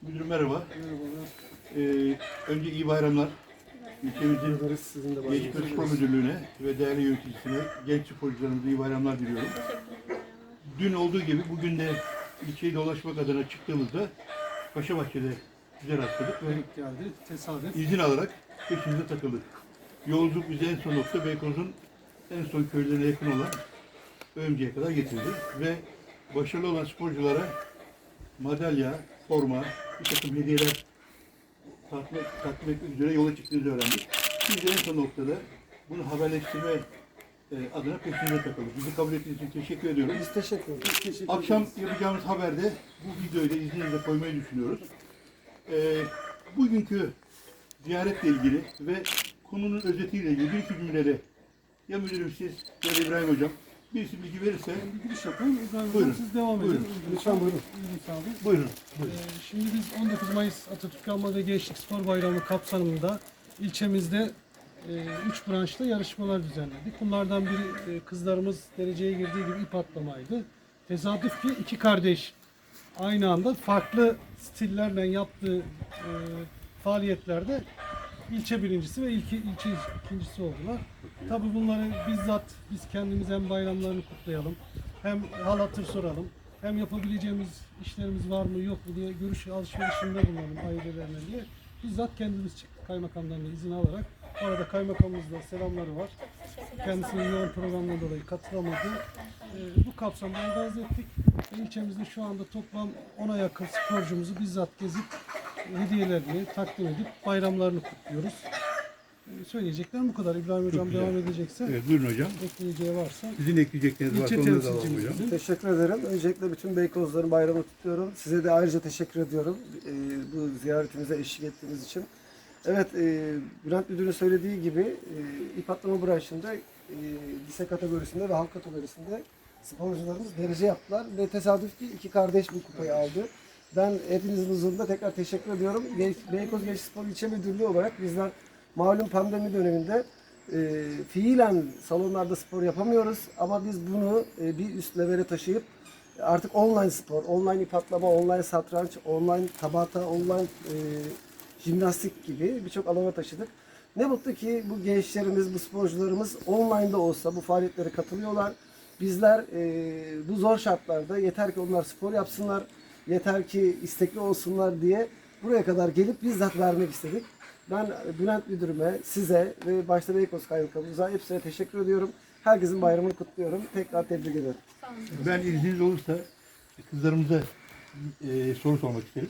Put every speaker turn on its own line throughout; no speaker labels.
Müdürüm merhaba.
Merhabalar.
Önce iyi bayramlar. İlçemizin
Ederiz. Sizin de
Gençlik ve
bayramınız
Spor
olsun.
Müdürlüğü'ne ve değerli yöneticisine, genç sporcularımıza iyi bayramlar diliyorum. Dün olduğu gibi bugün de ilçeyi dolaşmak adına çıktığımızda Paşabahçe'de güzel rastladık ve
Denk geldi. Tesadüf.
izin alarak peşimize takıldık. Yolculuk bizi en son nokta Beykoz'un en son köylerine yakın olan Öğümcü'ye kadar getirdi ve başarılı olan sporculara madalya, forma, bir takım hediyeler takdim etmek üzere yola çıktığınızı öğrendik. Biz de en son noktada bunu haberleştirme adına peşinize takıldık. Bizi kabul ettiğiniz için teşekkür ediyorum.
Biz teşekkür ederiz. Teşekkür
Akşam
ederiz.
yapacağımız haberde bu videoyu da izninizle koymayı düşünüyoruz. Bugünkü ziyaretle ilgili ve konunun özetiyle ilgili bir iki cümleyle ya müdürüm siz ya da İbrahim Hocam birisi bilgi verirse
Bir giriş yapalım. İbrahim
Buyurun.
Hocam siz devam edin.
Buyurun.
Lütfen buyurun. Buyurun sağ olun.
buyurun.
Şimdi biz 19 Mayıs Atatürk Anma ve Gençlik Spor Bayramı kapsamında ilçemizde 3 branşta yarışmalar düzenledik. Bunlardan biri kızlarımız dereceye girdiği gibi ip atlamaydı. Tesadüf ki iki kardeş aynı anda farklı stillerle yaptığı faaliyetlerde ilçe birincisi ve ilçe ikincisi oldular. Tabii bunları bizzat biz kendimiz hem bayramlarını kutlayalım, hem hal hatır soralım, hem yapabileceğimiz işlerimiz var mı yok mu diye görüş alışverişinde bulunalım ailelerine diye bizzat kendimiz çıktık kaymakamdan da izin alarak. Orada kaymakamımızla selamları var. Kendisinin yoğun programdan dolayı katılamadı. Bu kapsamda organize ettik. İlçemizde şu anda toplam 10'a yakın sporcumuzu bizzat gezip hediyelerini takdim edip bayramlarını kutluyoruz. Söyleyeceklerim bu kadar. İbrahim Hocam
güzel.
devam edecekse
Evet, buyurun hocam.
ekleyeceği varsa.
Sizin ekleyecekleriniz varsa
İlçe
onları da alalım
temsilcimiz
hocam.
bizim.
Teşekkür ederim. Öncelikle bütün Beykozların bayramını kutluyorum. Size de ayrıca teşekkür ediyorum bu ziyaretimize eşlik ettiğiniz için. Evet, Bülent Müdür'ün söylediği gibi ip atlama branşında lise kategorisinde ve halk kategorisinde sporcularımız derece yaptılar. Ve tesadüf ki iki kardeş bu kupayı aldı. Ben hepinizin huzurunda tekrar teşekkür ediyorum. Beykoz Gençlik Spor İlçe Müdürlüğü olarak bizler malum pandemi döneminde fiilen salonlarda spor yapamıyoruz ama biz bunu bir üst levele taşıyıp artık online spor, online ip atlama, online satranç, online tabata, online jimnastik gibi birçok alana taşıdık. Ne mutlu ki bu gençlerimiz, bu sporcularımız online'da olsa bu faaliyetlere katılıyorlar. Bizler bu zor şartlarda yeter ki onlar spor yapsınlar, yeter ki istekli olsunlar diye buraya kadar gelip bizzat vermek istedik. Ben Bülent Müdürüme, size ve başta Beykoz Kaymakamımıza hepsine teşekkür ediyorum. Herkesin bayramını kutluyorum. Tekrar tebrik ederim.
Ben izniniz olursa kızlarımıza soru sormak isterim.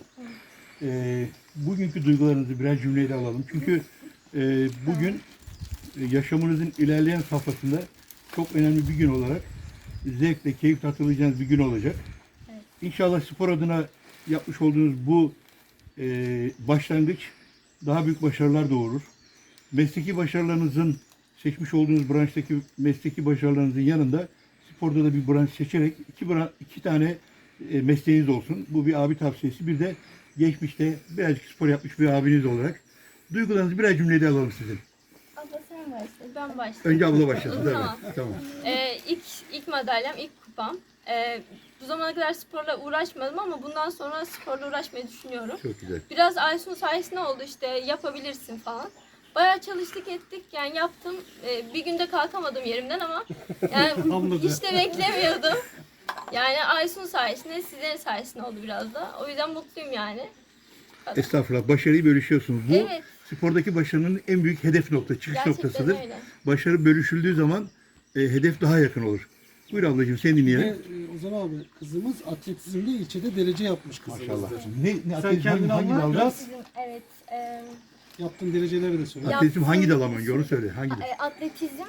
Bugünkü duygularınızı birer cümleyle alalım. Çünkü bugün yaşamınızın ilerleyen safhasında çok önemli bir gün olarak zevkle, keyifle hatırlayacağınız bir gün olacak.
Evet.
İnşallah spor adına yapmış olduğunuz bu başlangıç daha büyük başarılar doğurur. Mesleki başarılarınızın, seçmiş olduğunuz branştaki mesleki başarılarınızın yanında sporda da bir branş seçerek iki tane mesleğiniz olsun. Bu bir abi tavsiyesi. Bir de geçmişte birazcık spor yapmış bir abiniz olarak. Duygularınızı birer cümleyle alalım sizin.
Abla sen başla, ben başlayayım.
Önce abla başlasın.
Tamam.
Evet, tamam.
İlk madalyam, ilk kupam. Bu zamana kadar sporla uğraşmadım ama bundan sonra sporla uğraşmayı düşünüyorum.
Çok güzel.
Biraz Aysun sayesinde oldu işte yapabilirsin falan. Bayağı çalıştık ettik yani yaptım. Bir günde kalkamadım yerimden ama yani
Hamladı.
hiç de beklemiyordum. Yani Aysun sayesinde, sizlerin sayesinde oldu biraz da. O yüzden mutluyum yani.
Estağfurullah. Başarıyı bölüşüyorsunuz. Bu
Evet.
spordaki başarının en büyük hedef çıkış
Gerçekten
noktasıdır.
öyle.
Başarı bölüşüldüğü zaman hedef daha yakın olur. Buyur ablacığım seni
Ve
dinleyelim.
Ozan abi kızımız atletizmde ilçede derece yapmış kızımızdır.
Maşallah. Ne
Sen kendini
hangi
anlat
dalda?
biraz.
Evet.
Yaptığın dereceleri de söyle.
Ya-
Atletizm hangi dal ama önce onu söyle. Hangi dal?
Atletizm,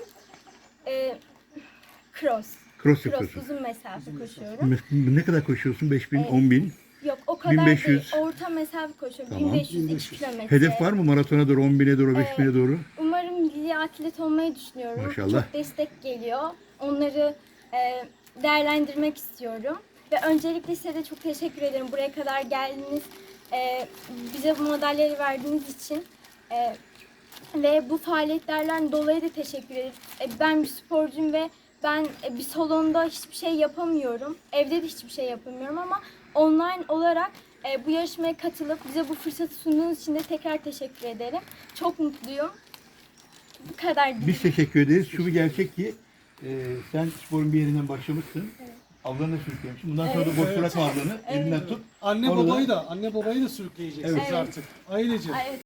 cross.
Cross yapıyorsun.
Uzun mesafe koşuyorum.
Ne kadar koşuyorsun? 5000,
Evet.
10.000.
Yok o kadar
1500.
değil. Orta mesafe koşuyorum.
Tamam.
1500 kilometre.
Hedef var mı maratona doğru, 10.000'e doğru, 5.000'e doğru?
Umarım milli atlet olmayı düşünüyorum.
Maşallah.
Çok destek geliyor. Onları değerlendirmek istiyorum. Ve öncelikle size de çok teşekkür ederim. Buraya kadar geldiniz. Bize bu madalyayı verdiğiniz için. Ve bu faaliyetlerden dolayı da teşekkür ederim. Ben bir sporcuyum ve ben bir salonda hiçbir şey yapamıyorum. Evde de hiçbir şey yapamıyorum ama online olarak Bu yarışmaya katılıp bize bu fırsatı sunduğunuz için de tekrar teşekkür ederim. Çok mutluyum. Bu kadar değil.
Biz teşekkür ederiz. Şu bir gerçek ki sen sporun bir yerinden başlamışsın. Ablanı sürüklemişsin. Bundan sonra da boş
Evet.
bırakma ablanı. Elinden tut.
Anne
Orada-
babayı da sürükleyeceksiniz
Evet.
artık. Ailece.
Evet.